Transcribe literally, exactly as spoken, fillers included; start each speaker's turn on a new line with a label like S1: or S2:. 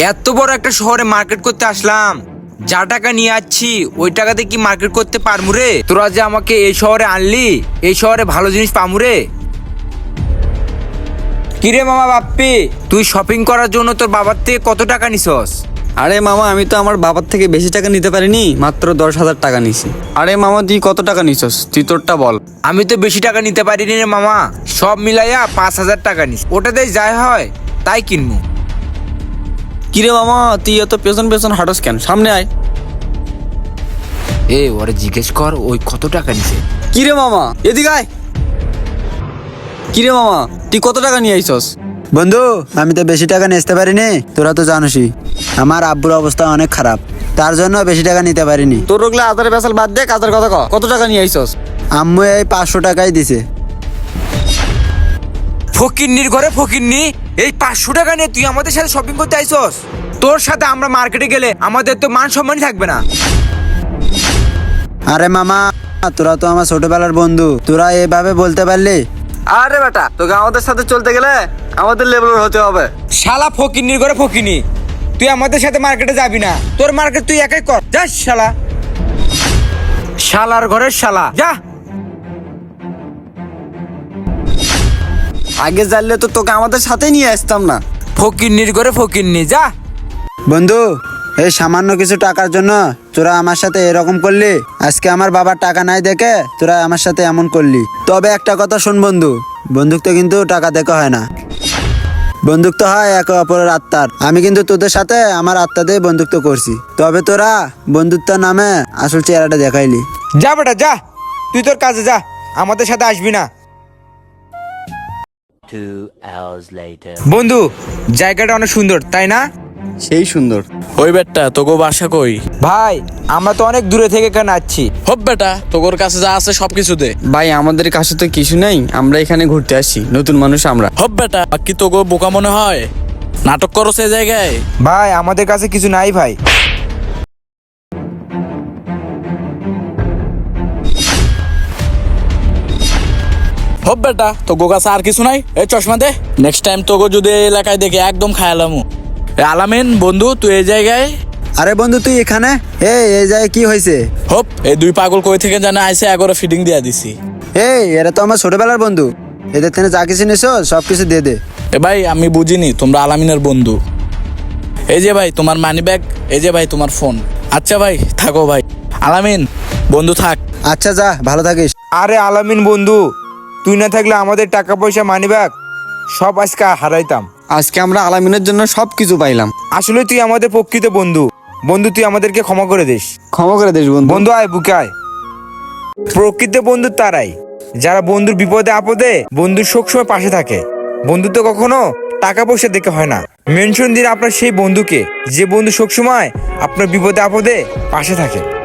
S1: এত বড় একটা শহরে মার্কেট করতে আসলাম, যা টাকা নিয়ে আসছি ওই টাকাতে কি মার্কেট করতে পারমু রে? তোরা যে আমাকে এই শহরে আনলি, এই শহরে ভালো জিনিস পামু রে? কিরে মামা বাপ্পি, তুই শপিং করার জন্য তোর বাবার থেকে কত টাকা নিছস?
S2: আরে মামা, আমি তো আমার বাবার থেকে বেশি টাকা নিতে পারিনি, মাত্র দশ হাজার টাকা নিছি। আরে মামা, তুই কত টাকা নিছস? তুই তোরটা বল।
S1: আমি তো বেশি টাকা নিতে পারিনি রে মামা, সব মিলাইয়া পাঁচ হাজার টাকা নিস, ওটাতে যাই হয় তাই কিনবো।
S2: কিরে মামা, তুই এত পেছন পেছন হাঁটস কেন? সামনে আয়।
S1: এ ওরে জিজ্ঞেস কর ওই কত টাকা নিছে।
S2: কিরে মামা, এদিকে আয়। কিরে মামা, তুই কত টাকা নিয়ে আইছস?
S3: বন্ধু, আমি তো বেশি টাকা নিতে পারিনি, তোরা তো জানোসই আমার আব্বুর অবস্থা অনেক খারাপ, তার জন্য বেশি টাকা নিতে পারিনি।
S2: তোর ওগুলা আদার বেসাল বাদ দে, কাজের কথা ক। কত টাকা নিয়ে আইছস?
S3: আম্মু এই পাঁচশো টাকাই দিছে।
S1: ফকিন্নির ঘরে ফকিন্নি, এই পাঁচশো টাকা নিয়ে তুই আমাদের সাথে শপিং করতে আইছস? তোর সাথে আমরা মার্কেটে গেলে আমাদের তো মান সম্মানই থাকবে না।
S3: আরে মামা, তোরা তো আমার ছোটবেলার বন্ধু, তোরা এভাবে বলতে পারলি?
S2: আরে বেটা, তোকে আমাদের সাথে চলতে গেলে আমাদের লেভেলের হতে হবে।
S1: শালা ফকিন্নির ঘরে ফকিনি, তুই আমাদের সাথে মার্কেটে যাবি না, তোর মার্কেট তুই একাই কর, যা শালা, শালার ঘরের শালা, যা।
S2: আগে জানলে তো তোকে আমাদের সাথে নিয়ে আসতাম না।
S1: ফকিন্নির ঘরে ফকিন্নি, যা।
S3: বন্ধু, এই সামান্য কিছু টাকার জন্য তোরা আমার সাথে এরকম করলি। আজকে আমার বাবার টাকা নাই দেখে তোরা আমার সাথে এমন করলি। তবে একটা কথা শোন বন্ধু, বন্দুক তো কিন্তু টাকা দেখে হয় না, বন্দুক তো হয় একে অপরের আত্মার। আমি কিন্তু তোদের সাথে আমার আত্মা দিয়ে বন্ধুত্ব করছি, তবে তোরা বন্ধুত্বের নামে আসল চেহারাটা দেখাইলি।
S1: যা বেটা যা, তুই তোর কাজে যা, আমাদের সাথে আসবি না।
S4: Two hours later.
S1: বন্ধু, জায়গাটা অনেক সুন্দর তাই না?
S2: সেই সুন্দর।
S5: ওই বেটা তোগো বাসা কই?
S1: ভাই, আমরা তো অনেক দূরে থেকে কেন আসছি।
S5: হব বেটা, তোগোর কাছে যা আছে সবকিছু দে।
S2: ভাই, আমাদের কাছে তো কিছু নেই, আমরা এখানে ঘুরতে আসি, নতুন মানুষ আমরা।
S5: হব বেটা, কি তোগো বোকা মনে হয়? নাটক করো সে জায়গায়।
S1: ভাই, আমাদের কাছে কিছু নাই ভাই।
S5: হব বেটা, তোগো কাছে আর কিছু নাই? এই চশমা দে, নেক্সট টাইম তোগো যদি এই এলাকায় দেখে একদম খায়ালামু। এ আলামিন বন্ধু, তুই এই জায়গায়?
S3: আরে বন্ধু, তুই এখানে? এই এই জায়গায় কি হয়েছে?
S5: হপ, এই দুই পাগল কই থেকে জানে আইসে, এগারো ফিডিং দিয়া দিছি।
S3: এই এরা তো আমার ছোটবেলার বন্ধু, এদের থেকে যা কিছু নিছো সব কিছু দিয়ে দে।
S5: এ ভাই, আমি বুঝিনি তোমরা আলামিনের বন্ধু। এই যে ভাই তোমার মানি ব্যাগ, এই যে ভাই তোমার ফোন। আচ্ছা ভাই, থাকো ভাই। আলামিন বন্ধু থাক।
S3: আচ্ছা যা, ভালো থাকিস।
S1: আরে আলামিন বন্ধু, তুই না থাকলে আমাদের টাকা পয়সা মানিব্যাগ সব আজকে হারাইতাম।
S2: আজকে আমরা আলামিনের জন্য সবকিছু পাইলাম।
S1: আসলে তুই আমাদের প্রকৃত বন্ধু। বন্ধু, তুই আমাদেরকে ক্ষমা করে দিস।
S2: ক্ষমা করে দিস বন্ধু।
S1: বন্ধু আয়, বুকে আয়। প্রকৃত বন্ধু তারাই যারা বন্ধুর বিপদে আপদে বন্ধুর সবসময় পাশে থাকে। বন্ধুত্ব কখনো টাকা পয়সা দেখে হয় না। মেনশন দিন আপনার সেই বন্ধুকে, যে বন্ধু সবসময় আপনার বিপদে আপদে পাশে থাকে।